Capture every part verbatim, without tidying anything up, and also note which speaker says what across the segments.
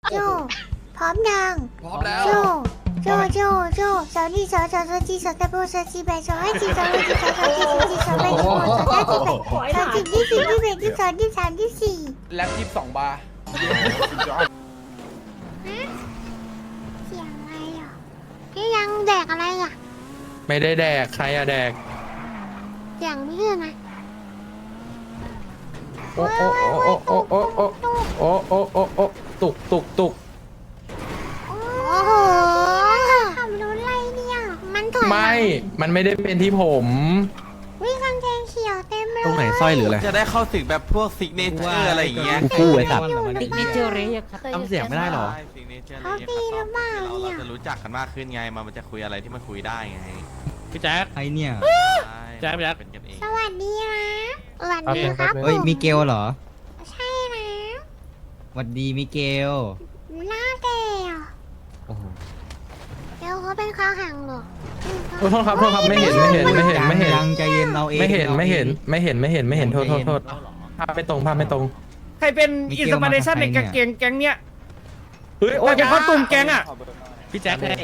Speaker 1: โจพร้อมยัง
Speaker 2: พร้อมแล้ว
Speaker 1: โจโจโจโจสาวนี่สาวสาวสาวจีสาวตะโบสาวจีแบสาวให้จีสาวให้จีสาวสาวจีสาวจีสาวแบสาวสาวจีแบสาวจีที่สี่ที่แบที่สองที่สามที่สี่
Speaker 2: แล็บยี่สิบสองบาร์
Speaker 1: เสียงอะไรอ่ะนี่ยังแดกอะไรอ่ะ
Speaker 3: ไม่ได้แดกใครอะแดก
Speaker 1: เสียงไม่ขึ้นนะ
Speaker 3: โอ้โอ้โอ้โอ้โอ้โอ้โอ้โอ้โอ้โอ้ตุกตุกตุก
Speaker 1: โอ้โหขับรถอะไรเนี่ยมันถอย
Speaker 3: ไม่ มันไม่ได้เป็นที่ผม
Speaker 1: วิ่งกางเกงเขียวเต็มเลย
Speaker 4: ตรงไหนสร้อยหรืออะไร
Speaker 5: จะได้เข้าถึงแบบพวกซิกเนเจอร์อะไรอย่างเงี้ย
Speaker 4: กูกู้ไอ้สัตว์
Speaker 6: ติ๊กเนเจอร์เรยครับ
Speaker 4: ทำเสียงไม่ได้หรอ
Speaker 5: ซิกเนเจอร์
Speaker 1: เขาตีหรือเปล่า
Speaker 5: เรา
Speaker 1: เนี่ย
Speaker 5: จะรู้จักกันมากขึ้นไงมันจะคุยอะไรที่มันคุยได้ไง
Speaker 4: พี่แจ๊คไอเนี่ย แจ๊คแจ๊ค
Speaker 5: เป็นกันเอง
Speaker 1: สวัสดีนะสวัสดีครับ
Speaker 4: เฮ้ยมิเกลเหรอ
Speaker 1: ใช่นะ
Speaker 4: หวัดดีมิเกล
Speaker 1: หน้าแก่อะ
Speaker 4: โอ้โห
Speaker 1: เดี๋ยวเขาเป็นข้าวหังเหรอ
Speaker 3: โอ้โทษครับโทษครับไม่เห็นไม่เห็นไม่เห็นไม่เห็น
Speaker 4: ยังใจเย็นเราเอง
Speaker 3: ไม่เห็นไม่เห็นไม่เห็นไม่เห็นไม่เห็นโทษโทษโทษภาพไม่ตรงภาพไม่ตรง
Speaker 7: ใครเป็นอินสปิเรชันในกางเกงแก๊งเนี้ย
Speaker 3: เฮ้ย
Speaker 7: ใครเป็นข้อตุ่มแก๊งอ่ะ
Speaker 4: พี่แจ๊คให้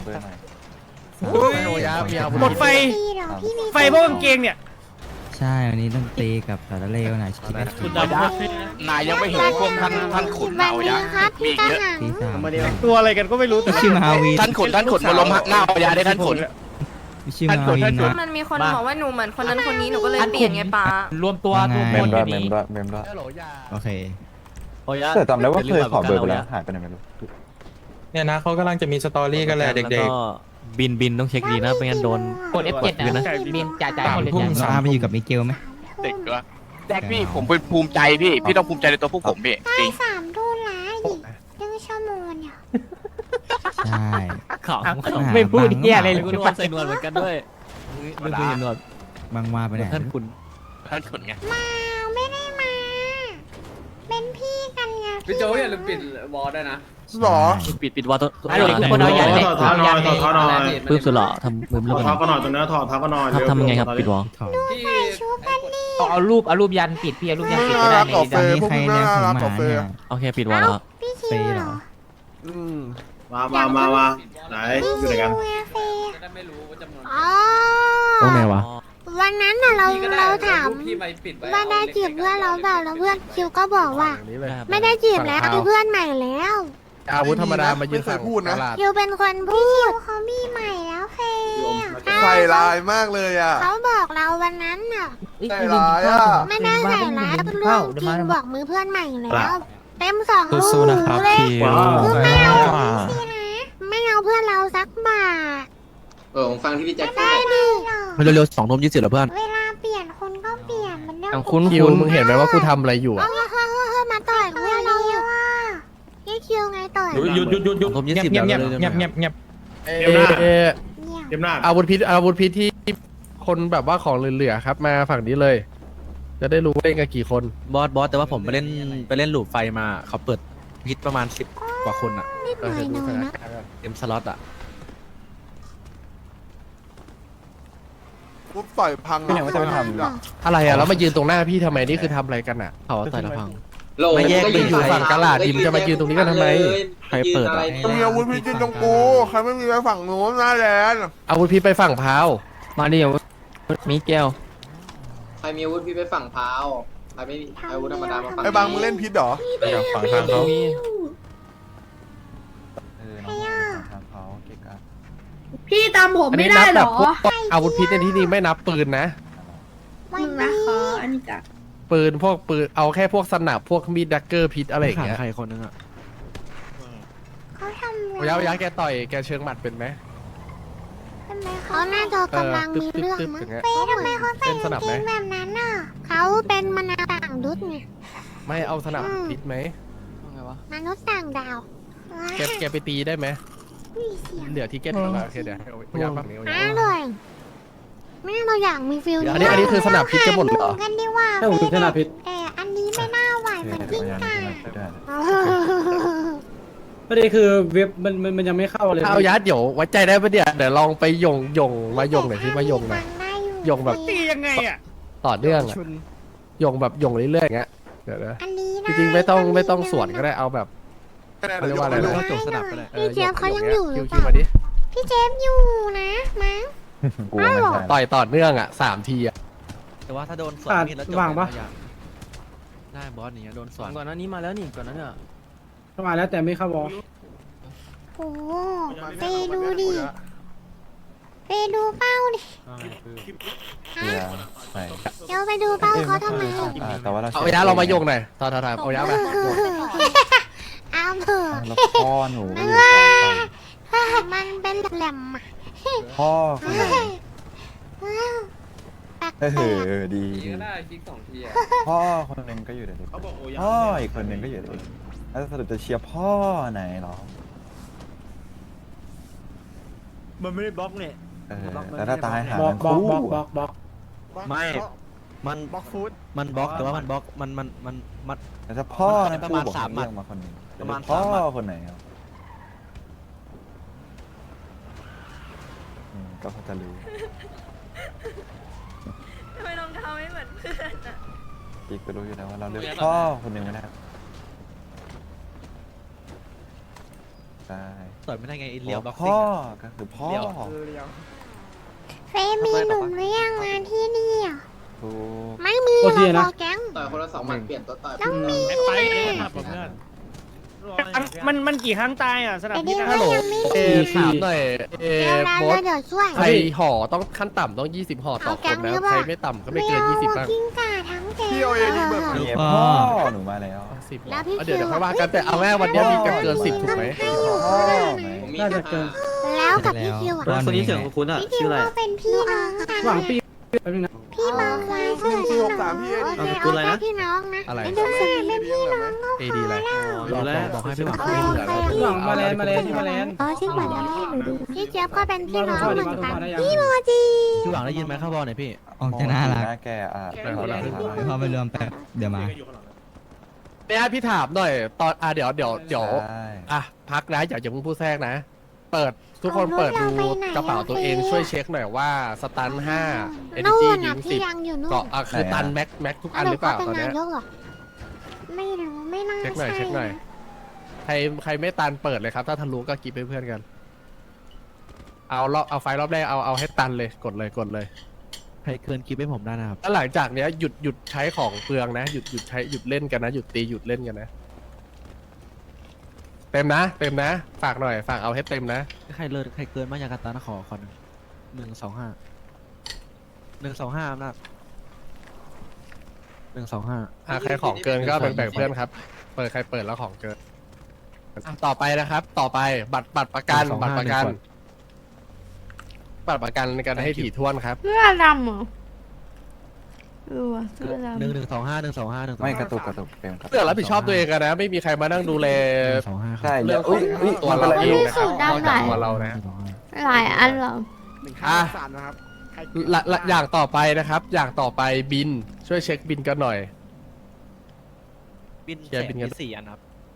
Speaker 7: หมดไฟ
Speaker 1: พี่เหรอพี่มี
Speaker 7: ไฟพวกกางเกงเนี่ย
Speaker 4: ใช่วันนี้ต้องตีกับสารเลวหน่อยชีวิต
Speaker 2: คุณดำนายยังไม่เห็นพวกท่านท่านขุน
Speaker 1: วั
Speaker 2: เอา
Speaker 1: น
Speaker 2: ยา
Speaker 1: นี้ครับพี่ข้าวหัง
Speaker 4: ตีสาม
Speaker 7: ตัวอะไรกันก็ไม่รู้แต่
Speaker 4: ชื่อมาวี
Speaker 2: ท่านขุนท่านขุนมาล้มหน้าเอายาได้ท่านขุน
Speaker 4: ชื่อมาวีนะ
Speaker 6: มันมีคนบอกว่าหนูเหมือนคนนั้นคนนี้หนูก็เลยเปลี่ยนไงป้าร
Speaker 4: วมตัวทุก
Speaker 8: เม
Speaker 4: คน
Speaker 8: มด้วยเมมด้วยเมมด้วย
Speaker 4: โอเค
Speaker 8: แต่จำได้ว่าเคยขอเบอร์ไปแล้วหายไปไหนไม่รู้
Speaker 3: เนี่ยนะเขากำลังจะมีสตอรี่กันแหละเด็ก
Speaker 4: บินบินต้องเช็คดีนะไม่งั้นโดน
Speaker 6: กด เอฟ เจ็ด นะบินจ่ายจ่ายหมดเลย
Speaker 3: ทุ่ม
Speaker 4: เราอาไปอยู่กับมิเกลไหม
Speaker 2: เด็กวะแจ็คพี่ผมเป็นภูมิใจพี่พี่ต้องภูมิใจในตัวพวกผมพี่จ
Speaker 1: ได้
Speaker 2: ริง
Speaker 1: สามทุ่นละอีกหนึ่งชั่วโมงเนี่ย
Speaker 4: ใช่
Speaker 6: ไม่พูดเหี้ยอะไรเลย
Speaker 4: คุณวันใส่หนวดเหมือนกันด้วยไม่เคยเห็นหนวดบางว่าไปไหนท่านคุณ
Speaker 2: ท่านขุนไง
Speaker 1: มาไม่ได้มา เป็นพี่กันไง
Speaker 9: พี่โจอย่าลืมปิดวอลด้วยนะ
Speaker 8: หรอ
Speaker 4: ปิดปิดวาตัว
Speaker 6: ฮัลโหลทุกคนเอาอย่าง
Speaker 9: ถอดเท้าหน่อยถอดเท้าหน่อย
Speaker 4: ปื้มสุดหล่อทำมือ
Speaker 9: ถ
Speaker 4: เรื่
Speaker 9: อ
Speaker 4: อ
Speaker 9: ด
Speaker 4: ง
Speaker 9: เท้าก็หน่อยตรงนี้ถอดเท้าก็หน่อย
Speaker 4: ทำทำยังไงครับปิดวอล
Speaker 9: พี่
Speaker 1: ชูกันนี่
Speaker 6: เอารูปเอารูปยันปิดพี่เอารูปยันปิดไม่ได้ใน
Speaker 4: ตอนนี้ใครเนี่ยผมหมาเนี่ย
Speaker 5: โอเคปิดวอลแล้ว
Speaker 1: พี่คิวเหรอ
Speaker 9: มามามามาไหน
Speaker 1: พี่
Speaker 9: อยู่ไหน
Speaker 1: คิ
Speaker 9: กั
Speaker 1: วน เอฟเอ
Speaker 9: จะได้ไม่รู้ว่าจำนวน
Speaker 1: อ๋อ
Speaker 4: ตรงไหนวะ
Speaker 1: วันนั้นน่ะเรา
Speaker 9: พี่ก็ได้
Speaker 1: เราถาม
Speaker 9: พี่ไปปิดไว้
Speaker 1: ว่าได้จีบเพื่อนเราเปล่าแล้วเพื่อนคิวก็บอกว่า ไม่ได้จีบแล้วมีเพื่อนใหม่แล้ว
Speaker 3: อาวุธธรรมดามายืนสั่ง
Speaker 8: พูดนะ
Speaker 1: คิวเป็นคนพูดเขามีใหม่แล้วเฟย์
Speaker 8: ใส่ลายมากเลยอ่ะ
Speaker 1: เขาบอกเราวันนั้นน่ะ
Speaker 8: ใส่ร้ายอ่ะ
Speaker 1: ไม่ได้ใส่ร้ายเป็นเรื่องจริงบอกมือเพื่อนใหม่แล้ว เต็มสองลู
Speaker 3: สู้
Speaker 1: ก
Speaker 3: ๆนะครับ
Speaker 1: เลย
Speaker 3: คิว
Speaker 1: คือไม่เอาพี่นะไม่เอาเพื่อนเราสักบาท
Speaker 9: เออผมฟังที่พี่แจ็คพูด
Speaker 1: ได้ดิ
Speaker 4: มันเร็วๆสองทุ่มยี่สิบเหรอเพื่อน
Speaker 1: เวลาเปลี่ยนคนก็เปลี่ยนมันเรื่อง
Speaker 3: คุณคิวมึงเห็นไหมว่ากูทำอะไรอยู่
Speaker 1: เอ
Speaker 3: อ่ะ
Speaker 1: อเฮ้ยเฮ้ยเฮ้ยมาต่อยเพื่อนเราอ่ะยี่คิวไงต่อย
Speaker 3: หยุดหยุดหยุดหยุด
Speaker 4: ผมยี่
Speaker 3: เงีย
Speaker 4: สิ
Speaker 3: บบ เงียบ
Speaker 4: แล้
Speaker 3: เงียว บ
Speaker 4: เลย
Speaker 3: เงียบเงียบเงียบ
Speaker 9: เตรียมหน้า
Speaker 1: เนี่ย
Speaker 9: เตรียมหน้า
Speaker 3: อาวุธพิษอาวุธพิษที่คนแบบว่าของเหลือๆครับ มาฝั่งนี้เลย จะได้รู้ว่าเล่นกันกี่คน
Speaker 4: บอสบอสแต่ว่าผมไปเล่นไปเล่นหลูปไฟมาเขาเปิดพิษประมาณสิบกว่าคนอ่ะ
Speaker 1: นิดหน่อยหน่อยนะ
Speaker 4: เต็มสล็อตอ่ะ
Speaker 8: ปุ๊บต่อยพังอ่ะว่าจะไปทำอ่ะ
Speaker 3: อะไรอ่ะแล้วมายืนตรงหน้าพี่ทำไมนี่คือทำอะไรกันอ่ะ
Speaker 4: เขาใส่ละพัง
Speaker 3: ไม่แยกไปอยู่ฝั่งกะลาดิมจะมายืนตรงนี้กันทำไม
Speaker 4: ใครเปิดอ่ะ
Speaker 8: ต้องมีอาวุธพิจิตตรงกู ใครไม่มีไปฝั่งนู้นหน้าแลนด์
Speaker 3: อาวุธพิษไปฝั่งพาว
Speaker 6: มาเดียวมีแก้ว
Speaker 9: ใครมีอาวุธพี่ไปฝั่งพาวใครไม่มีอาวุธธรรมดามาฝั่ง
Speaker 8: ไอ้บางมึงเล่นพิษเหรอ
Speaker 3: ฝั่งทางเขา
Speaker 10: พี่ตามผม
Speaker 3: อัน
Speaker 10: ไม่
Speaker 3: นี้
Speaker 10: ได้
Speaker 3: นับ
Speaker 10: เหร
Speaker 3: แบบ
Speaker 10: อ
Speaker 3: พวกอาวุธพิษในที่นี้ไม่นับปืนนะ
Speaker 1: วัน
Speaker 10: นะ
Speaker 1: นี้
Speaker 10: คะอันนี้จ้ะ
Speaker 3: ปืนพวกปืนเอาแค่พวกสนับพวกมีดดักเกอร์พิษอะไรอย่างเงี้ย
Speaker 4: ใครคนนึงอ่ะ
Speaker 1: เขาทำ
Speaker 3: โอ้ยายาแกต่อยแกเชิงหมัดเป็นไหม
Speaker 1: เขาน่าจะกำลังมีเรื่องมั้งเป๊ะทำไมเขาใส่กางเกงแบบนั้นน่ะเขาเป็นมนุษย์ต่างดุษไง
Speaker 3: ไม่เอาสนับพิษไหม
Speaker 1: มนุษย์ต่างดาว
Speaker 3: แกแกไปตีได้ไหม
Speaker 1: อุ้ยเสียง
Speaker 3: เหลือทิเก็ตแล้วโอเคเดี๋ยวให้เอายาฝั่งนี้เอา
Speaker 1: อ้า
Speaker 3: าย
Speaker 1: เลยแม่เราอยากมีฟิล
Speaker 3: อันนี้อันนี้คือสนับพิษจะหมดเหรอ
Speaker 1: ากันดีว่า
Speaker 9: ถ้าผมชนะพิษ
Speaker 1: แต่อันนี้ไม่น่าไหวเหมือนกิ้งก่า
Speaker 9: ประเด็นคือเว็บมันมันมันยังไม่เข้าเลย
Speaker 3: เอายัดเดี๋ยวไว้ใจได้ปะเดี๋ยวเดี๋ยวลองไปยงยงมายงหน่อยที่มายงหน่อย ยงแบบ
Speaker 7: ตียังไงอ่ะ
Speaker 3: ต่อเนื่องอะยงแบบยงเรื่อยๆอย่างเงี้ยเดี๋ยวนะ
Speaker 1: อันนี้
Speaker 3: จริงๆไม่ต้องไม่ต้องสวนก็ได้เอาแบบเขาเรียกว่าอะไร
Speaker 4: ไม่รู้
Speaker 3: นะ
Speaker 4: ว่าจบสนับไปเลย
Speaker 3: ออ
Speaker 1: พี่เจี๊ยบเขายังอยู่หรือเป
Speaker 3: คิว
Speaker 1: ล่า
Speaker 3: ๆมาดิ
Speaker 1: พี่เจฟอยู่นะมั้ง
Speaker 8: กูไม่ใช่
Speaker 3: ต่อยต่อเนื่องอ่ะสามทีอ่ะ
Speaker 4: แต่ว่าถ้าโดนสวนมีดแล้วจบ
Speaker 7: ว่างปะ
Speaker 4: ได้บอสอย่างเงี้ยโดนสวน
Speaker 6: ก่อนหน้านี้มาแล้วนี่ก่อนหนั้นเนี่ย
Speaker 7: เข้ามาแล้วแต่ไม่เข้าบอล
Speaker 1: โอ้เฟดูดิเฟดูเป้าดิ
Speaker 8: เนี่ยใช่
Speaker 1: เดี๋ยวไปดูเป้าเขาทำไม
Speaker 8: อ่าแต่ว่าเรา
Speaker 3: เอายาเรามาโยงหน่อยทอทอทอเอายามา
Speaker 1: เอาเถอะ
Speaker 8: แล้วพ่อหนูก็อยู่
Speaker 1: ว่ามันเป็นแหลมๆอะ
Speaker 8: พ่อคนไหน
Speaker 1: แปลก
Speaker 8: เออ
Speaker 1: ๆ
Speaker 8: ดีดีพ่อคนหนึ่งก็อยู่เดี๋ยวนี้พ่ออีกคนหนึ่งก็อยู่เดี๋ยวนี้แล้วสรุปจะเชียร์พ่อไหนเหรอ
Speaker 7: มันไม่ได้บล็อกเนี่ย
Speaker 8: เออแต่ถ้าตายหา
Speaker 7: บล็อก
Speaker 8: ทั้ง
Speaker 7: บล็อก
Speaker 8: คู่
Speaker 7: บล็อกบล็อก
Speaker 8: อะ
Speaker 7: บล็อก
Speaker 4: ไม่ มัน
Speaker 7: บล็อกฟู้ด
Speaker 4: มันบล็อกแต่ว่ามันบล็อกมันมันมันมัน
Speaker 8: แต่ถ้าพ่อ
Speaker 4: มัน
Speaker 8: ทั้ง
Speaker 4: ประ
Speaker 8: คู่
Speaker 4: มาณ
Speaker 8: บอก
Speaker 4: สามหมัด
Speaker 8: เรียกมาคนหนึ่ง
Speaker 4: ประมาณ
Speaker 8: พ่อ
Speaker 4: สามหมัด
Speaker 8: คนไหนครับอืมก็พอจะรู้
Speaker 10: ทำไมรองเท้าไม่เหมือนเพื่อนอ่ะ
Speaker 8: อีกก็รู้อยู่แล้วว่าเราเลือกพ่อคนหนึ่งไม่ได้ใช่
Speaker 4: ต่อยไม่ได้ไงไอ้เลี้ยวบล็อกซิ่
Speaker 8: พ่
Speaker 4: ง
Speaker 8: อ
Speaker 4: อะ
Speaker 8: ก็คือพ่อ
Speaker 4: เลี้ยว
Speaker 1: เฟมีหนุ่มหรือยังมาที่นี่อ่ะ
Speaker 8: ถูก
Speaker 1: ไม่มีหรอกพอแก๊ง
Speaker 9: ต่อยคนละสองหมัดเปลี่ยนตัวต่อย
Speaker 1: ต้องมี
Speaker 7: ไปมันมันกี่ครั้งตายอ่ะสนาม
Speaker 1: ไอ้
Speaker 7: บิ
Speaker 1: นี่
Speaker 7: น
Speaker 1: ก็
Speaker 7: อะ
Speaker 1: ยังไม่
Speaker 3: เอ
Speaker 1: มี
Speaker 3: ถามหน่อยเอ
Speaker 1: เดี๋ยวนะ
Speaker 3: โบ
Speaker 1: แล้ว
Speaker 3: ส
Speaker 1: เดี๋ยวช่วย
Speaker 3: ใครห่อต้องขั้นต่ำต้องยี่สิบห่อต่อคนนะใครไม่ต่ำก็ไม่เกินยี่สิบบ้าง
Speaker 1: กิ้งก่าทั้งแก๊ง
Speaker 8: เนี่ยพ่อหนูมาแล้ว
Speaker 3: สิบ
Speaker 1: แล้วพี่
Speaker 3: เดี๋ยวเดี๋ยวค่อยว่ากันแต่เอาแม่วันนี้มีกันเกินสิบถูกไหม
Speaker 1: ให้อยู่
Speaker 8: พ่อ
Speaker 1: ข้างห
Speaker 8: ไหม
Speaker 1: น้า
Speaker 9: ผมมี
Speaker 7: น่า
Speaker 9: แค่
Speaker 7: จะเกิน
Speaker 1: แล้วกับพี่คิวอ่ะ
Speaker 6: คนนี้เสียงคุ้นอ่ะ
Speaker 1: พี่คิวก็เป็นพี่น้องกัน
Speaker 7: หวังปีแป๊บนึงนะ
Speaker 1: พี่มาคายเสื้อพี่น้องโอเคเอาแค่พี่น้องนะ
Speaker 3: อะไร
Speaker 1: ไม่ต้องสนิทเป็นพี่น้องก็
Speaker 3: เอดีอะไร
Speaker 4: รู้แล้วบอกให้พี่หวัง
Speaker 1: โอ
Speaker 4: คุย
Speaker 1: เค
Speaker 7: หวังมาแลนด์มาแลนด์ที่มาแลนด์
Speaker 1: อ๋อชื่อเหมือนกันพี่เจี๊ยบก็เป็นพี่น้องเหมือนกัน
Speaker 7: มาได้ยัง
Speaker 1: พี่โมจิ
Speaker 4: พี่หวังได้ยินไหมเข้าบอลหน่อยพี่
Speaker 5: ออกจะน่ารัก
Speaker 8: หน้าแกอ่ะ
Speaker 5: พอไปรวมแป๊บเดี๋ยวมา
Speaker 3: เนี่ยพี่ถามหน่อยตอนอ่ะเดี๋ยวเดี๋ยวเดี๋ยว
Speaker 8: ใช่
Speaker 3: อ่ะพักนะอย่าอย่าเพิ่งพูดแทรกนะ เปิดทุกคนเปิดดูกระเป๋าตัวเองช่วยเช็คหน่อยว่าสตันห้าเอเน
Speaker 1: นู่
Speaker 3: จี
Speaker 1: น
Speaker 3: ดิ
Speaker 1: น่ะ
Speaker 3: ง
Speaker 1: พี่
Speaker 3: สิบ
Speaker 1: ยังอยู่นู่น
Speaker 3: เกาะอ่ะคือตันแม็กแม็กทุกอันหรือเปล่าตอน
Speaker 1: น
Speaker 3: เนี้ย
Speaker 1: ยกเหรอไม่รู้ไม่น่า
Speaker 3: เช็คหน่อย
Speaker 1: ใช่
Speaker 3: เช็คหน่อยใครใครไม่ตันเปิดเลยครับ ถ้าทะลุก็กิบไปเพื่อนกัน เอารอบเอาไฟล์รอบแรกเอาเอาให้ตันเลยกดเลยกดเลย
Speaker 4: ใครเกินคลิปให้ผมได้นะครับ
Speaker 3: แล้วหลังจากเนี้ยหยุดหยุดใช้ของเปลืองนะหยุดหยุดใช้หยุดเล่นกันนะหยุดตีหยุดเล่นกันนะ เต็มนะเต็มนะ ฝากหน่อยฝากเอาให้เต็มนะ
Speaker 4: ใครเลิศใครเกินมายากาตานะขอขอหนึ่งหนึ่งสองห้าหนึ่งสองห้าอำนาจหนึ่งสองห้า
Speaker 3: อ่ะใครของเกินก็แบ่งๆเพื่อนครับ เปิดใครเปิดแล้วของเกินอ่ะต่อไปนะครับ ต่อไปบัตรบัตรประกันบัตรประกันบัตรประกันกันให้ถี่ถ้วนครับ
Speaker 10: เสื้อดำเหรอเออว่ะเสื้อดำ
Speaker 4: หนึ่งหนึ่งสองห้าหนึ่งสองห้าหนึ่ง
Speaker 8: ไม่กระตุกกระตุกเต็มครับ
Speaker 3: เรื่องรับผิดชอบตัวเองกันนะ ไม่มีใครมานั่งดูแล
Speaker 4: สองห้า
Speaker 8: ใช่
Speaker 3: เรื่องข
Speaker 8: อุ้
Speaker 3: อย ง
Speaker 8: อุ้ย
Speaker 3: ตัวเราเองนะครับ
Speaker 10: สูตรดำ
Speaker 3: นอกจากตัวเรานะ
Speaker 10: หลายอันเหรอ
Speaker 3: อ่ะ
Speaker 7: สารนะครับ
Speaker 3: ละละอย่างต่อไปนะครับ อย่างต่อไปบินช่วยเช็คบินกันหน่อย
Speaker 4: บิน
Speaker 3: เคลียร์บินกัน
Speaker 4: มีสี่อันครับ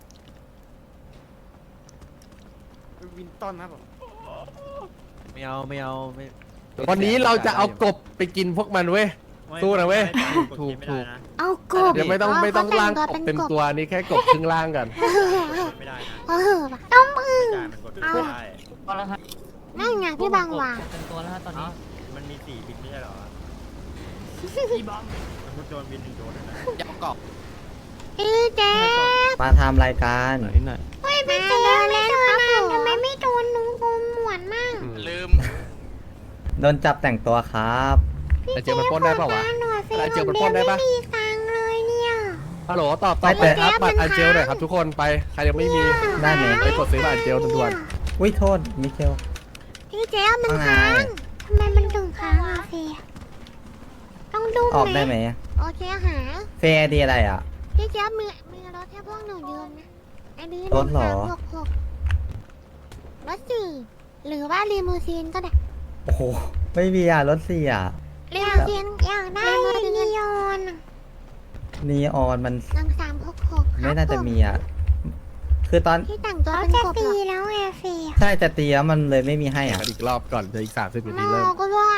Speaker 7: วินตันครับผม
Speaker 4: ไม่เอาไม่เอาไม่
Speaker 3: วันนี้เราจะเอากบไปกินพวกมันเว้ย สู้นะเว้ย ถูกถูก
Speaker 1: เอากบ
Speaker 3: เดี๋ยวไม่ต้องไม่ต้องล่างกบเต็มตัวนี่แค่กบครึ่งล่างกัน
Speaker 1: เออต้มอึ่งเอา
Speaker 6: ก็แล้วฮะ
Speaker 1: นั่นไงพี่บางวาง
Speaker 6: เป็นตัวแล้วฮะตอนนี้
Speaker 7: มันมีสี่บินไม่ใช่เหรอ
Speaker 6: พี่บอม
Speaker 7: มันโดนบินหนึ่งโดนนะ
Speaker 2: ยับกรอบ
Speaker 1: พี่เจ๊
Speaker 5: มาทำรายการ
Speaker 4: นิดหน่อย
Speaker 1: เฮ้ยพี่เจ๊ไม่โดนนะทำไมไม่โดนหนูกลมหมวนมาก
Speaker 2: ลืม
Speaker 5: โดนจับแต่งตัวครับ
Speaker 3: ไอเจียวมันปล้นได้เปล่าวะ
Speaker 1: หน่อยเฟ
Speaker 3: ไอเจียวมันปล้นได้ปะ
Speaker 1: ไม่มีตังค์เลยเนี่ย
Speaker 3: ฮัลโหลตอบตอบไปครับบัตรอันเจลหน่อยครับทุกคนไปใครยังไม่มี
Speaker 5: ได้ไหม
Speaker 3: ไปกดซื้อบัตรอันเจลด่วน
Speaker 5: อุ้ยโทษมิเชล
Speaker 1: พี่เจ๊มัน
Speaker 5: ว่าไง
Speaker 1: ค้างทำไมมันถึงค้างอ่ะเฟยต้องดู
Speaker 5: ออกได้ไหม
Speaker 1: โอเคหา
Speaker 5: เฟร์ดีอะไรอ่ะ
Speaker 1: พี่เจ๊มีมีรถให้พวกหนูยืมนะไอ้ดื้อ
Speaker 5: รถเหรอ
Speaker 1: สามหกหกรถสี่หรือว่าลีมูซีนก็ได้
Speaker 5: โอ้โห ไม่มีอ่ะ รถสี่อ่ะ
Speaker 1: ลีมูซีนอยากได้ลียอน
Speaker 5: นีออนมัน
Speaker 1: หนึ่งสามหกหก
Speaker 5: ไม่น่าจะมีอ่ะ คือตอน
Speaker 1: ที่แต่งตัวเป็นกบตีแล้วไงเฟย
Speaker 5: ใช่จะตีแล้วมันเลยไม่มีให้
Speaker 3: ๆ
Speaker 5: อ่ะ
Speaker 3: กันอีกรอบก่อนเดี๋ยวอีกสามสิบนาที
Speaker 1: น
Speaker 3: เริ่ม
Speaker 1: อก็ว่า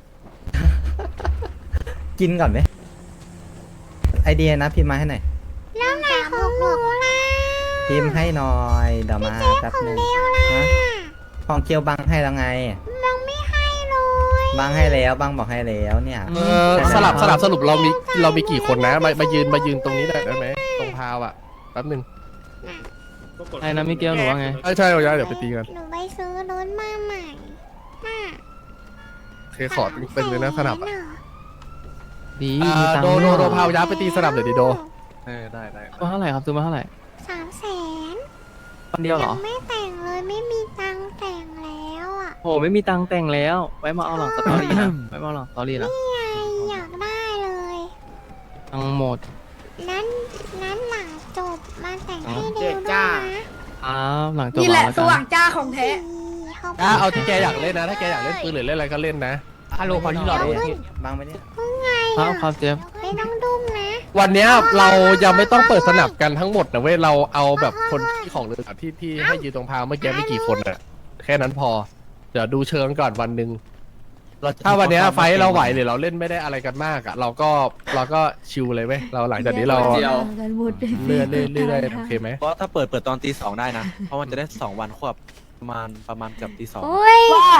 Speaker 5: กินก่อนไหม ไอเดียนะพิมพ์มาให้หน่อย
Speaker 1: แล้วไหนของหนูล่ะ
Speaker 5: พิมพ์ให้หน่อยเดี๋ยวมาแป๊บนึงฮะของเกียวบังให้แล้วไง
Speaker 1: บังไม่ให้เลย
Speaker 5: บังให้แล้วบังบอกให้แล้วเนี่ย
Speaker 3: เออสลับสลับสรุปเรามีเรามีกี่คนนะมามายืนมายืนตรงนี้ได้ได้ไหมตรงพาวอ่ะแป๊บนึง
Speaker 4: ไอ้นะมิเกลหรือว่าไง
Speaker 3: ใช่ใช่เราย้ายเดี๋ยวไปตีกัน
Speaker 1: หนูไปซื้อรถมาใหม่น่ะ
Speaker 3: เคขอเป็นเลยนะสนับอะ
Speaker 4: ดี
Speaker 3: อ่า
Speaker 4: มีตัง
Speaker 3: โด
Speaker 4: ค์
Speaker 3: โดโดพาวย้ายไปตีสนับเดี๋ยวดิโด
Speaker 4: เออได้ได้มาเท่าไหร่ครับซื้อมาเท่าไหร่
Speaker 1: สามแสน
Speaker 4: วันเดียวเหร
Speaker 1: ยั
Speaker 4: อง
Speaker 1: ไม่แต่งเลยไม่มีตังค์แต่งแล้วอ่ะ
Speaker 4: โหไม่มีตังค์แต่งแล้ว ไว้มาเอาหลังสตอรี่นะ ไว้มาเอาหลังสตอรี่นะ
Speaker 1: นี่ไงอยากได้เลย
Speaker 4: ทั้งหมด
Speaker 1: นั้นนั้นหลังจบมาแต่งให้
Speaker 4: อ๋อ
Speaker 1: เดียวด้วยนะ
Speaker 4: อ้าวหลังจบ
Speaker 10: นี่แหละ
Speaker 4: แล้ว
Speaker 10: ส
Speaker 4: กัน
Speaker 10: ว่างจ้าของแท้
Speaker 1: เขา
Speaker 3: อ่าเอาที่แกอยากเล่นนะถ้าแกอยากเล่นปืนหรือเล่นอะไรก็เล่นนะ
Speaker 4: ฮัลโหลขอที่หลอดเลย
Speaker 5: บังไปเนี่ย
Speaker 1: ไง
Speaker 4: ครั
Speaker 1: อ่ะ
Speaker 4: บครับเจฟ
Speaker 1: ไม่ต้องดุ้มนะ
Speaker 3: วันเนี้ยเรายังไม่ต้องเปิดสนับกันทั้งหมดนะเว้ยเราเอาแบบคนที่ของเรือที่ที่ให้ยืนตรงพาวเมื่อกี้ไม่กี่คนอะแค่นั้นพอเดี๋ยวดูเชิงก่อนวันหนึ่งถ้าวันเนี้ยไฟท์เราไหวหรือเราเล่นไม่ได้อะไรกันมากอะเราก็เราก็ชิลเลยเว้ยเราหลังจากนี้เรา
Speaker 9: เดียว
Speaker 10: กันหมด
Speaker 3: เลื่อนเรื่อยๆเรื่อยๆโอเคไหม
Speaker 4: เพราะถ้าเปิดเปิดตอนตีสองได้นะ เพราะมันจะได้สองวันควบประมาณประมาณเกือบตีสอง
Speaker 1: โอ้ย
Speaker 10: ว่า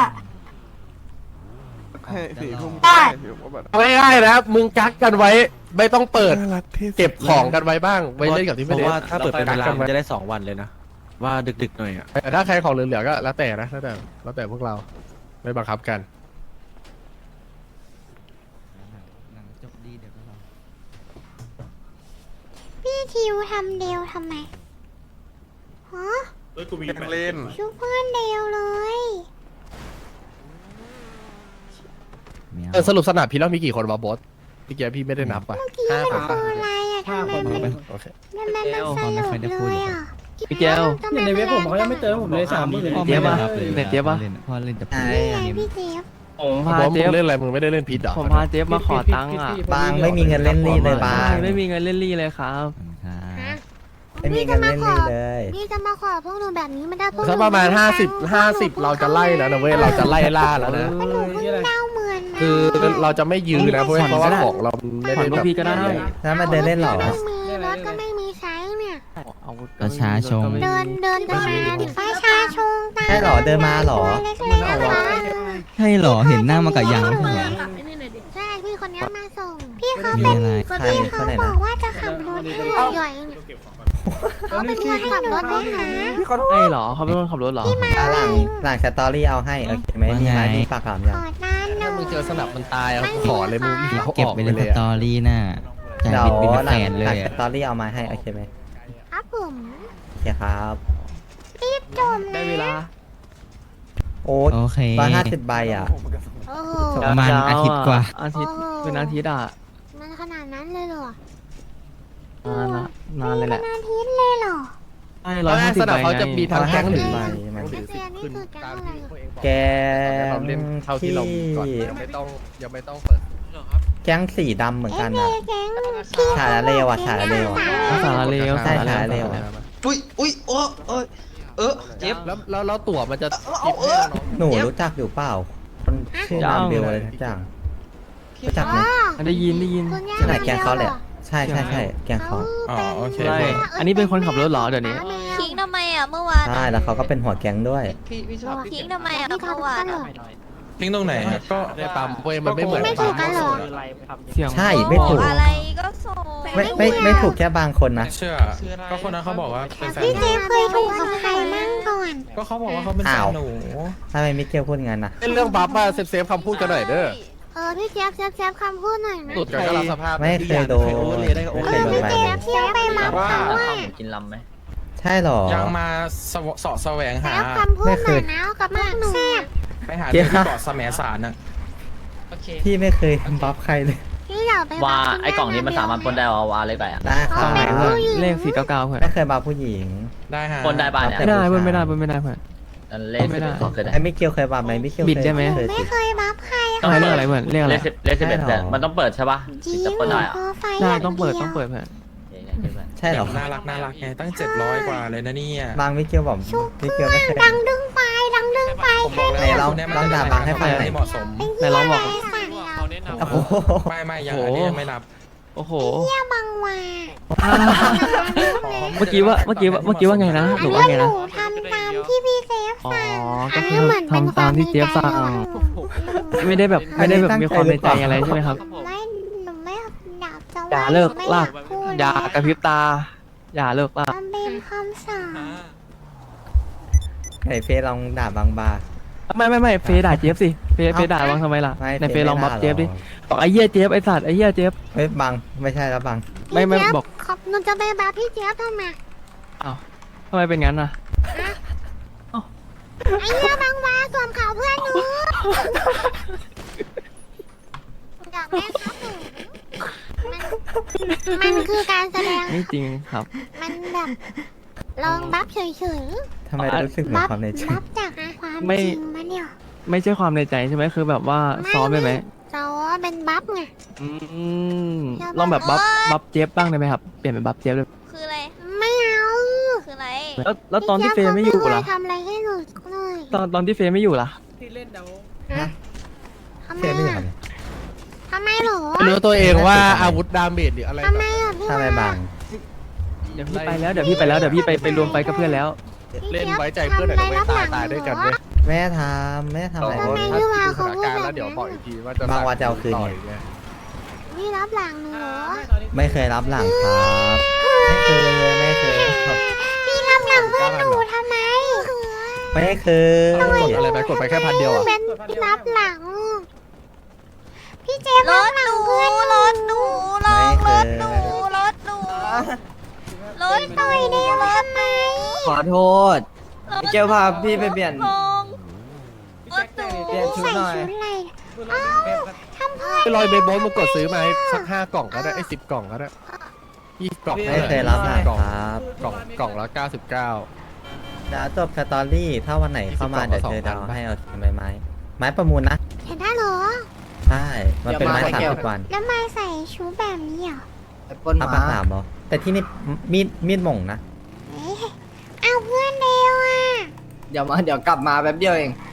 Speaker 10: ได้
Speaker 3: เอาง่ายๆนะมึงกักกันไว้ ไม่ต้องเปิดเก็บของกันไว้บ้างไว้เล่นกับที่
Speaker 4: เพ
Speaker 3: ไม่
Speaker 4: ราะ
Speaker 3: ได้
Speaker 4: ว่าถ้าเปิดเป็นเวลา
Speaker 3: กักกั
Speaker 4: มัน
Speaker 3: ไว้
Speaker 4: จะได้สองวันเลยนะ ว่าดึกๆหน่อยอ่ะ
Speaker 3: แต่ถ้าใครของเหลือๆก็แล้วแต่นะแล้วแต่แล้วแต่พวกเราไม่บังคับกัน
Speaker 1: พี่ทิวทำเดียวทำไมฮะ
Speaker 7: เฮ้ยกูมี
Speaker 3: เล่น
Speaker 1: ชุบเพื่อนเดียวเลย
Speaker 3: เออสรุปสนามพี่แล้วมีกี่คนวะบอสพี่แกพี่ไม่ได้นับป่ะ
Speaker 1: พี่
Speaker 3: ห้า
Speaker 1: มัน
Speaker 3: คน
Speaker 1: คือ
Speaker 3: ป่ะ
Speaker 1: อะไรอ่ะทำไมมัน
Speaker 3: โอเค
Speaker 1: มันมันมันสลบเลยอ่ะ
Speaker 4: พี่แก้ว
Speaker 1: ทำไมในเว็บผมเขายังไม่เจอผมเลยสามหมื่น
Speaker 4: เจี๊ยบป่ะเน็ตเจี๊ยบป่ะ
Speaker 5: พ่อเล่นแต่
Speaker 1: นี่ไงพี่เจี๊ยบ
Speaker 4: ผม
Speaker 3: บ
Speaker 4: พา
Speaker 3: อสมึ
Speaker 4: เจี๊ย
Speaker 3: ง
Speaker 4: บ
Speaker 3: เล่นอะไรมึงไม่ได้เล่นพีดเหรอ
Speaker 4: ผมพาเจี๊ยบมาขอตังค์อ่ะ
Speaker 5: บางไม่มีเงินเล่นนี่เลยบาง
Speaker 4: ไม่มีเงินเล่นลี่เลยครับ
Speaker 5: ไม่มีเงินเล่นนี่เลย
Speaker 1: พี่จะมาขอพวกหนูแบบนี้ไม่ได้พวกหนู
Speaker 3: สักประมาณห้าสิบห้าสิบเราจะไล่แล้วนะเว้ยเราจะไล่ล่าแล้วนะ
Speaker 1: มันหนูเพิ่งเล่าเหมือน
Speaker 3: คือเราจะไม่ยื้อนะเพราะเพราะว่าของเราไม่
Speaker 4: ผ่อน
Speaker 3: ได้
Speaker 4: พว
Speaker 3: แบ
Speaker 4: ก
Speaker 3: บ
Speaker 4: พี่ก็ได้
Speaker 5: แล้วมาเดินเล่นเหรอ
Speaker 1: ไม่มีรถก็ไม่มีใช้เนี่ย
Speaker 4: อาวุธ
Speaker 5: ประชาชน
Speaker 1: เดินเดินกันมาประชาชนตา
Speaker 5: ใช่เหรอเดินมาเหรอ
Speaker 1: เล็กๆนะคะ
Speaker 5: ใช่เหรอเห็นหน้ามากับยังไม่ใช่เหรอ
Speaker 1: ใช่พี่คนนี้มาส่ง พี่เขา
Speaker 5: มี
Speaker 1: เป็น
Speaker 5: อะไรใคร
Speaker 1: พี่
Speaker 5: ค
Speaker 1: เขา
Speaker 5: นไหน
Speaker 1: บ
Speaker 5: นะ
Speaker 1: อกว่าจะขับรถให้หย่อยๆเขาเป็นคนขับรถให้หา
Speaker 4: ใช่เหรอเขาเป็นคนขับรถเหรอ
Speaker 5: อ่ะหลังหลังสตอรี่เอาให้โอเคไหมมีไหมมีปากถามยัง
Speaker 1: ขอด้านหน่
Speaker 3: ถ้า
Speaker 1: อ
Speaker 3: มึง
Speaker 1: ย
Speaker 3: เจอสนับมันตายอ่ะขอเลยมึงเขา
Speaker 5: เก็บ
Speaker 3: ออก
Speaker 5: ไป
Speaker 3: ไป
Speaker 5: เลย
Speaker 3: เลย
Speaker 5: สตอ
Speaker 3: อะ
Speaker 5: รี่น่ะเดี๋ยวหลังหลังสตอรี่เอามาให้โอเคไหม
Speaker 1: ครับผม
Speaker 5: โอเคครับ
Speaker 1: รีบจม
Speaker 4: ได้
Speaker 1: นะ
Speaker 4: เวลา
Speaker 5: โอ้
Speaker 8: โอเค
Speaker 5: ร้อยห้าสิบใบอ่ะ
Speaker 1: โอ้โห
Speaker 5: ประมาณอาทิตย์กว่า
Speaker 4: อาทิตย์เป็นอาทิตย์อ่ะ
Speaker 1: มันขนาดนั้นเลยเหรอน
Speaker 4: านละนานเลยแหละ
Speaker 1: เป็นอาทิตย์เลยเหรอ
Speaker 4: ใช่ร้อยห้าสิ
Speaker 3: ส
Speaker 4: บ
Speaker 3: นับ
Speaker 4: ใบ
Speaker 3: เขาจะมี
Speaker 4: ไง
Speaker 3: ทางแก๊งหรือ
Speaker 5: ใบ
Speaker 3: แก๊งหรือสิบขึ้น
Speaker 1: นี่คือแก๊ง
Speaker 3: ตาม
Speaker 1: อะไร
Speaker 3: ที่ตัวเองบอก
Speaker 5: แกง
Speaker 3: เราเล่นเท่าที่เรามีก่อน
Speaker 5: ที่
Speaker 3: ยังไม่ต้องยังไม่ต้องเปิด
Speaker 5: แก๊งสีดำเหมือน
Speaker 1: เอ๊ะ
Speaker 5: กัน
Speaker 1: เด
Speaker 5: อ่ะ
Speaker 1: แก๊งพี่
Speaker 5: ฉาละเลวอะฉาละเลวอะ
Speaker 4: สารเลว
Speaker 5: ใช่
Speaker 4: สาร
Speaker 5: สารเล
Speaker 4: เล
Speaker 5: ว
Speaker 4: ว
Speaker 9: อุ้ยอุ้ยโอ้เอ้ยเออเจ็บ
Speaker 3: แล้วแล้วแล้วตั๋วมันจะคิดให้เราน้อง
Speaker 5: หนูรู้จักอยู่เปล่าคนชื่อนามเบลอะไรทุกอย่างรู้จักไหม
Speaker 1: อ๋อ
Speaker 4: ได้ยินได้ยิน
Speaker 1: คุณย่า
Speaker 5: ที่ไหนแก๊งเขาแหละใช่ใช่ใช่แก๊งเขา
Speaker 9: อ๋อโอเค
Speaker 4: ใช่อันนี้เป็นคนขับรถเหรอเดี๋ยวนี้
Speaker 10: ทิ้งทำไมอ่ะเมื่อวาน
Speaker 5: ใช่แล้วเขาก็เป็นหัวแก๊งด้วย
Speaker 9: พี่พี่ชอบ
Speaker 10: ทิ้งทำไมอ่ะเมื่อวานอะ
Speaker 9: ทิ้งตรงไหนอะก็
Speaker 3: ได้ปั๊มเว้ยมันไม่เหมือน
Speaker 1: ไม่ถูกกันเหรอ
Speaker 4: เสียง
Speaker 5: ใช่ไม่ถูก
Speaker 10: อะไรก็ส่ง
Speaker 5: ไม่ไม่ไม่ถูกแค่บางคนนะ
Speaker 9: เชื่อ ก็คนนั้นเขาบอกว่าเป็นแฟน
Speaker 1: พี่
Speaker 9: ห
Speaker 1: เจ
Speaker 9: นู
Speaker 1: เคยถูกกับใครมั่งก่อน
Speaker 9: ก็เขาบอกว่าเขาเป็นแฟ
Speaker 5: อ้าน ว
Speaker 9: หนู
Speaker 5: ทำไมมิเกลพูดงั้นนะ
Speaker 3: เป็นเรื่องบัฟมาเซฟเซฟคำพูดกันหน่อยเด้อ
Speaker 1: เออพี่เจี๊ยบเจี๊ยบเจี๊ยบคำพูดหน่อยนะ
Speaker 3: สุดกันก็รับสภาพ
Speaker 5: ไม่เคยโดนไม่
Speaker 1: เอ
Speaker 5: เคย
Speaker 1: อ
Speaker 5: โดน
Speaker 1: พี่
Speaker 5: ใบ
Speaker 1: เจี๊ยบเจี๊ยบไปมา
Speaker 9: ว่า
Speaker 1: เขาว่า
Speaker 4: กินลำไหม
Speaker 5: ใช่เหรอ
Speaker 9: ยังมาสวเสาะแสวงหา
Speaker 1: เจี๊ยบคำพูดหน่อยนะเอากับพวกหนู
Speaker 9: ไปหาเรื่องที่เกาะแสมสารน่ะ
Speaker 5: พี่ไม่เคยบัฟใครเลย
Speaker 1: พี่อยากไป
Speaker 4: ว่าไอ้กล่องนี้มันสามารถปนได้เอาวาเลยไปอ่ะ
Speaker 5: ได้ค
Speaker 1: เขา
Speaker 5: รับ
Speaker 1: เป็นผู้หญิง
Speaker 4: เลขสี่เก้าเก้าเพื่อน
Speaker 5: ไม่เคยบัฟผู้หญิง
Speaker 9: ได้ฮะ
Speaker 4: ปนได้บ้านเนี่ย
Speaker 5: แต่
Speaker 4: ไม่ได้
Speaker 5: ผู้
Speaker 4: เพื่อน
Speaker 5: ชาย
Speaker 4: ไม่ได้เพื่อนไม่ได้เพื่อนเลขไม่ได้
Speaker 5: ไอ้มิเกลเคยบัฟไหมมิเกล
Speaker 4: บิดได้ไหม
Speaker 5: เคย
Speaker 1: ไม่
Speaker 5: สิ
Speaker 1: เคยบัฟใคร
Speaker 4: ต้องให้เรื่องอะไรเพื่อนเรื่องอะไร
Speaker 5: เลขสิบเอ็ดเนี่ยมันต้องเปิด
Speaker 1: จริงโปรไฟล์
Speaker 4: ได้
Speaker 1: ย่า
Speaker 4: ต้องเปิด
Speaker 1: ดียว
Speaker 4: ต้องเปิดเพื่อน
Speaker 5: ใช่เหรอ
Speaker 9: น่ารักน่ารักไงตั้งเจ็ดร้อยกว่าเลยนะเนี่ย
Speaker 5: บางมิเกลบอกมิเกลไม่เคย
Speaker 1: ดังดึงไปดังดึงไป
Speaker 9: ผมบอกแล้ว
Speaker 5: ไหนลอง
Speaker 9: คนเนี้ย
Speaker 5: ลองด่าบังให้ฟังหน่อย
Speaker 9: ที่เหมาะสม
Speaker 4: ไหนลองบอก
Speaker 1: ไสั่งเรา
Speaker 5: โอ้โห
Speaker 9: ไม่ไม่ยังอันนี้ยังไม่รับ
Speaker 4: โอ้โห
Speaker 1: เที่ยบังว่า
Speaker 4: เมื่อกี้ว่าเมื่อกี้ว่าเมื่อกี้ว่าไงนะห
Speaker 1: อัน
Speaker 4: นู
Speaker 1: นี้
Speaker 4: ว่าไง
Speaker 1: ห
Speaker 4: นะ
Speaker 1: นูทำตามที่พี่เซฟ
Speaker 4: อ๋อ
Speaker 1: สั่ง
Speaker 4: ก็
Speaker 1: อัน
Speaker 4: คื
Speaker 1: นี้
Speaker 4: อ
Speaker 1: เหมือนเป็น
Speaker 4: ทำตามที่เจี๊ยบสั่ง ไม่ได้แบบไม่ได้แบบมีความในใจอะไรใช่ไหมครับ
Speaker 1: ไม่หนูไม่อยากจะ
Speaker 4: อย่า
Speaker 1: ว่า
Speaker 4: เลิก
Speaker 1: ไม่
Speaker 4: ลาก
Speaker 1: พูด
Speaker 4: อย่ากระพริบตา อย่าเลิกลาก
Speaker 1: มันเป็นคำสั่ง
Speaker 5: ไอเฟซลองด่าบางบา
Speaker 4: ไม่ไม่ไม่เฟยด่าเจี๊ยบสิเฟยเฟยด่าวังทำไมล่ะ
Speaker 5: ไม่
Speaker 4: ในเฟยลองบัฟ
Speaker 5: ไม่ด่า
Speaker 4: เจี๊ยบดิ
Speaker 5: หรอก
Speaker 4: บอกไอ้เหี้ยเจี๊ยบไอ้สัตว์ไอ้เหี้ยเจี๊ยบ
Speaker 5: เฮ้ยบังไม่ใช่แล้วบัง
Speaker 4: ไม่ไม่
Speaker 1: พี่เจี๊ย
Speaker 4: บอก
Speaker 1: ขอบหนูจะไปบัฟพี่เจี๊ยบทำไม
Speaker 4: อ้าวทำไมเป็นงั้นน่ะ
Speaker 1: ไอ้เหี้ยบางวาสวมเขาเพื่อนหนูอยากได้ครับหนูมันมันคือการแสดง
Speaker 4: ไม่จริงครับ
Speaker 1: มันแบบลองบัฟเฉย
Speaker 5: ทำไมรู้สึกเห
Speaker 1: ๆ
Speaker 5: มือน
Speaker 1: บัฟ
Speaker 5: ความในใจ
Speaker 1: บัฟจากความ
Speaker 4: ไม่
Speaker 1: จริงมาเนี่ย
Speaker 4: ไม่ใช่ความในใจใช่ไหมคือแบบว่าซ้อมไปไหม
Speaker 1: เราเป็นบัฟไง
Speaker 4: อืม
Speaker 1: อย่า
Speaker 4: ลองแบบบัฟ
Speaker 1: โอ๊ย
Speaker 4: บัฟเจี๊ยบบ้างได้ไหมครับเปลี่ยนเป็นบัฟเจี๊ยบเลย
Speaker 10: คืออะไร
Speaker 1: ไม่เอา
Speaker 10: คืออะไร
Speaker 4: แล้วแล้วตอนที่เฟยไม่อยู่
Speaker 1: พี่
Speaker 4: ล่ะ
Speaker 1: เจี๊บเขาไม่เคยทำอะไรให้หนูเลย
Speaker 4: ตอนตอนที่เฟยไม่อยู่ล่ะ
Speaker 5: ฮะ
Speaker 1: ทำไม
Speaker 5: เฟซไม่อยา
Speaker 1: อ่ะ
Speaker 5: กเลย
Speaker 1: ทำไมหรอ
Speaker 3: ไม่รู้ตัวเองว่าอาวุธดาเมจหรืออะไร
Speaker 1: ทำไมอ่ะพี่
Speaker 5: ทำไมบัง
Speaker 4: เดี๋ยวพี่ไปแล้วเดี๋ยวพี่ไปแล้วเดี๋ยวพี่ไปไปรวมไฟกับเพื่อนแล้ว
Speaker 3: เล่นไว้ใจเพื่อนหน่อยนะเว้ยตายตายด้วยกันเว้ย
Speaker 5: แม่ทำแม่ทำอะไร
Speaker 3: ถ้า
Speaker 5: เลย
Speaker 3: ดูสถานการณ์แล้วเดี๋ยวบอกอีกทีว่าจะ
Speaker 5: บางวันจะเอาคืนไง
Speaker 3: ต่อยไง
Speaker 1: พี่รับหลังหนูเหรอ
Speaker 5: ไม่เคยรับหลังครับไม่เคยไม่เคยครับ
Speaker 1: พี่รับหลังเพื่อนหนูทำไม
Speaker 5: ไม่เคย
Speaker 3: กดอะไรไปกดไปแค่พันเดียวอ่ะ
Speaker 1: เป็นรับหลัง พี่เจมส์
Speaker 10: ร
Speaker 1: รับ
Speaker 10: ถ
Speaker 1: หลั
Speaker 10: ห
Speaker 1: ง
Speaker 10: นู
Speaker 1: เพื่อน
Speaker 10: รถหนูลองรถหนูรถหนูรถ
Speaker 1: ต่อยเดียวทำไม
Speaker 6: ขอโทษ เจ้าพาพี่ไปเปลี่ยน
Speaker 10: ลงรถหนู
Speaker 6: เปลี่ยนชุด
Speaker 1: ใส่
Speaker 6: หน่อย
Speaker 1: ชุดอะไรอ้าวทำเพื่อน
Speaker 3: ไปลอยเบสบอลมากดซื้อมาให้สักห้ากล่องก็ได้ไอ้สิบกล่องก็ได้ยี่สิบกล่อง
Speaker 5: ไม่เคยรับหลัง
Speaker 3: กล่อง
Speaker 5: ครับ
Speaker 3: กล่องกล่องละเก้าสิบเก้า
Speaker 5: เดี๋ยวจบสตอรี่ถ้าวันไหนเข้ามาเดี๋ยวเจอดาวให้เอาไม้ไม้ไม้ประมูลนะ
Speaker 1: เห็นได้เหรอ
Speaker 5: ใช่มันเป็นไม้สามสิบวัน
Speaker 1: แล้วมาใส่ชุดแบบนี้เหรอ
Speaker 6: ปนห
Speaker 5: เอา
Speaker 6: มา
Speaker 5: ปากสามเหรอแต่ที่นี่มีดมีดหม่งนะ
Speaker 1: เอ๊ะเอาเพื่อนเดียวอ่ะ
Speaker 6: เดี๋ยวมาเดี๋ยวกลับมาแป๊บเดียวเอง
Speaker 1: เ